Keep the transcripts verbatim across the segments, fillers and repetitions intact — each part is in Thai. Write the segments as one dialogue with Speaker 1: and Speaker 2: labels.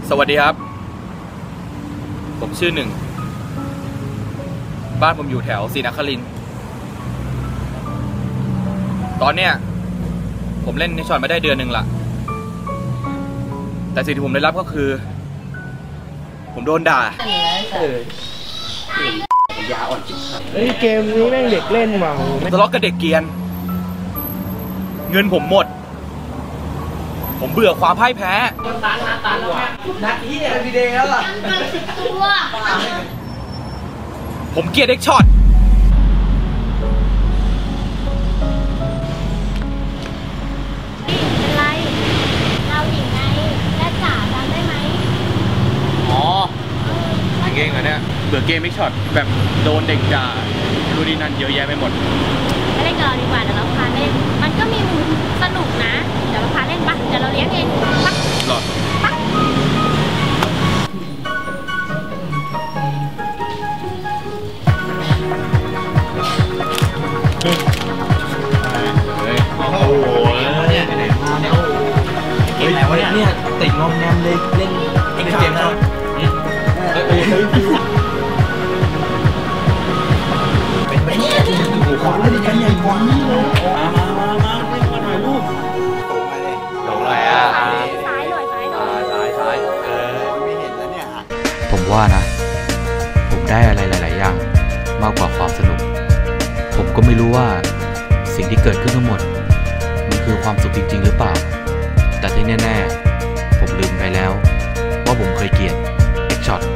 Speaker 1: สวัสดีครับผมชื่อหนึ่งบ้านผมอยู่แถวศรีนครินทร์ตอนเนี้ยผมเล่นในช็อตมาได้เดือนหนึ่งละแต่สิ่งที่ผมได้รับก็คือผมโดนด่าเออยาอ่อนจิ๋วเฮ้ย
Speaker 2: เกมนี้แม่งเด็กเล่นเมา
Speaker 1: ทะเลาะกับเด็กเกียนเงินผมหมดผมเบื่อความพ่ายแพ้ตันตันแล้วแม่นัดนี้เนี่ยพีเดย์แล้วอ่ะผมเกลียดเด็กช็อต
Speaker 3: เป็นไรเราหญิงไงแม่จ๋าจำได้ไหม
Speaker 1: อ๋อเก่งเหรอเนี่ยเบื่อเกมเด็กช็อตแบบโดนเด็กด่าดูดีนั่นเยอะแยะไปหมด
Speaker 3: ไม่เล่นกับเราดีกว่าเดี๋ยวเราพาเล่นมันก็มีมุมสนุกนะเดี๋ยวเราพาเล่นปะเดี๋ยวเราเลี้ยงเองปะ
Speaker 1: หรอ
Speaker 3: ปะ
Speaker 1: โอ้โหเนี่ยเกมอะไรวะเนี่ยติดงอมแงมเลยเล่นเอ็กซ์เกมแล้วเป็นไปเนี่ยโอ้โหเล่นกันใหญ่กว่านี้เลยมามามามามาถ่ายรูปลงมาเลยลงอะไรอ่ะ
Speaker 3: ซ้ายหน่อยซ้ายหน่อย
Speaker 1: ซ้ายซ้ายเออไม่เห็นแล้วเนี่ย
Speaker 4: ผมว่านะผมได้อะไรหลายๆอย่างมากกว่าความสนุกผมก็ไม่รู้ว่าสิ่งที่เกิดขึ้นทั้งหมดมันคือความสุขจริงๆหรือเปล่าแต่ที่แน่ๆผมลืมไปแล้วว่าผมเคยเกลียดเอ็กช็อต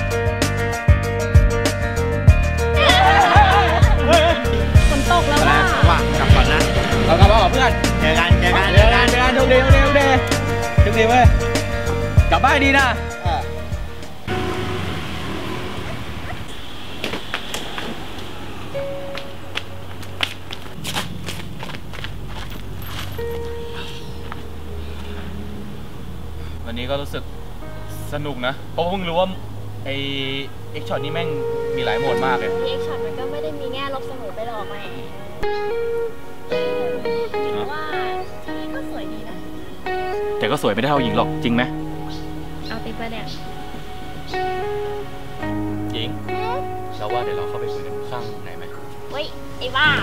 Speaker 3: ฝนตกแล้วว่ะ
Speaker 1: ว่ากลับก่อนนะเรากลับมากับเพื่อนเจอกันเจอกันเจอกันเจอกันทุกเดย์ทุกเดย์ทุกเดย์ทุกเดย์เว้ยกลับบ้านดีนะวันนี้ก็รู้สึกสนุกนะเพราะเพิ่งรู้ว่าไอเอ็กช็อตนี่แม่งมีหลายโหมดมากเลย
Speaker 3: เอ็กช็อตมันก็ไม่ได้มีแง่ลบเสมอไปหรอกแหมว่าทีนี้ก็สวยดีนะ
Speaker 1: แต่ก็สวยไม่ได้เท่าหญิงหรอกจริงไหม
Speaker 3: เอาติดไปเนี่ย
Speaker 1: หญิงเราว่าเดี๋ยวเราเข้าไปคุยกันข้างไหนไหม
Speaker 3: เฮ้ยไอ้บ้า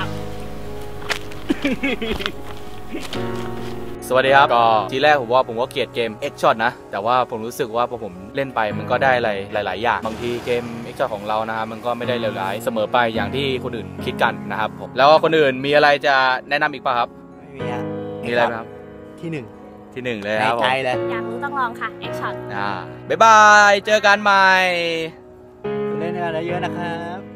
Speaker 1: สวัสดีครับก็ทีแรกผมว่าผมก็เกลียดเกม X Shot นะแต่ว่าผมรู้สึกว่าพอผมเล่นไปมันก็ได้อะไรหลายๆอย่างบางทีเกม X Shot ของเรานะครับมันก็ไม่ได้เลวร้ายเสมอไปอย่างที่คนอื่นคิดกันนะครับผมแล้วคนอื่นมีอะไรจะแนะนำอีกป่ะครับ
Speaker 2: ไม่มีอะ
Speaker 1: มีอะไรครับ
Speaker 2: ที่หนึ่ง
Speaker 1: ที่หนึ่งเลยครับ
Speaker 2: ใจเลย
Speaker 3: อยากรู้ต้องลองค่ะ X Shot
Speaker 1: อ่าบ๊ายบายเจอกันใหม่
Speaker 2: เล่นกันเยอะนะครับ